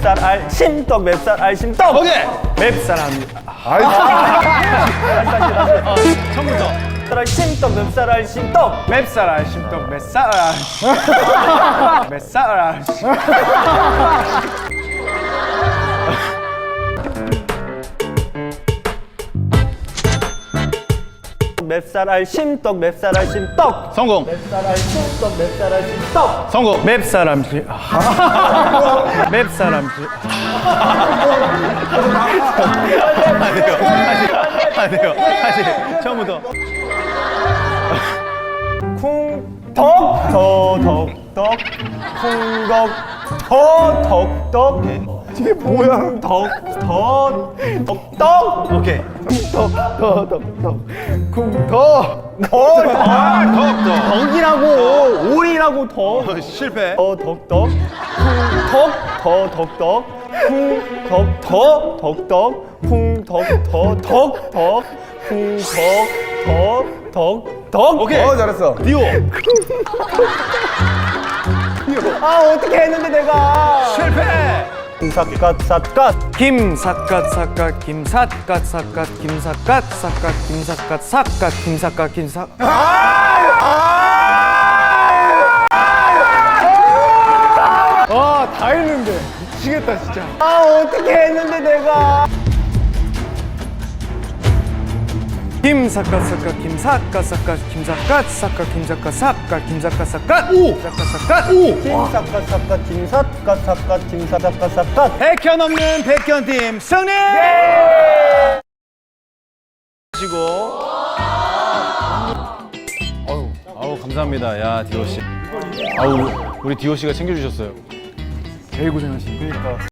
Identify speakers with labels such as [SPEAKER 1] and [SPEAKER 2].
[SPEAKER 1] 맵쌀 알심떡 맵쌀 알심떡.
[SPEAKER 2] 오케이.
[SPEAKER 1] 맵쌀
[SPEAKER 2] 처음부터.
[SPEAKER 1] 알심떡 맵쌀 알심떡.
[SPEAKER 2] 맵쌀 알심떡 맵쌀 맵쌀 알심.
[SPEAKER 1] 맵쌀 알심떡 맵쌀 알심떡.
[SPEAKER 2] 성공.
[SPEAKER 1] 맵쌀 알심떡 맵쌀 알심떡.
[SPEAKER 2] 성공.
[SPEAKER 1] 맵쌀 암시. 맵쌀 암시.
[SPEAKER 2] 안 돼요. 다시 처음부터.
[SPEAKER 1] 쿵덕 더덕덕 쿵덕 더덕덕. 이게 뭐야? 덕덕덕.
[SPEAKER 2] 오케이.
[SPEAKER 1] 쿵덕더덕덕 쿵덕
[SPEAKER 2] 덕덕.
[SPEAKER 1] 덕이라고 오리라고 덕.
[SPEAKER 2] 실패.
[SPEAKER 1] 덕덕 쿵덕 더덕덕 쿵덕 더덕덕 쿵덕 더덕덕.
[SPEAKER 2] 오케이.
[SPEAKER 3] 잘했어.
[SPEAKER 2] 디오.
[SPEAKER 1] 아 어떻게 했는데 내가.
[SPEAKER 2] 실패.
[SPEAKER 1] 삿갓 삿갓
[SPEAKER 4] 김삿갓 삿갓 김삿갓 삿갓 김삿갓 삿갓 김삿갓 삿갓 김삿갓 김삿.
[SPEAKER 1] 다 했는데 미치겠다 진짜. 아 어떻게 했는데 내가.
[SPEAKER 4] 김삿갓 삿갓 김삿갓 삿갓 김삿갓 삿갓 김삿갓 삿갓 김삿갓 삿갓 김삿갓 삿갓.
[SPEAKER 1] 김삿갓 삿갓 김삿갓 삿갓 김삿갓 삿갓.
[SPEAKER 2] 백현 없는 백현팀 승리! 하시고. 아우 감사합니다. 야 디오 씨. 아우 우리 디오 씨가 챙겨주셨어요.
[SPEAKER 4] 제일 고생하신.
[SPEAKER 1] 그러니까.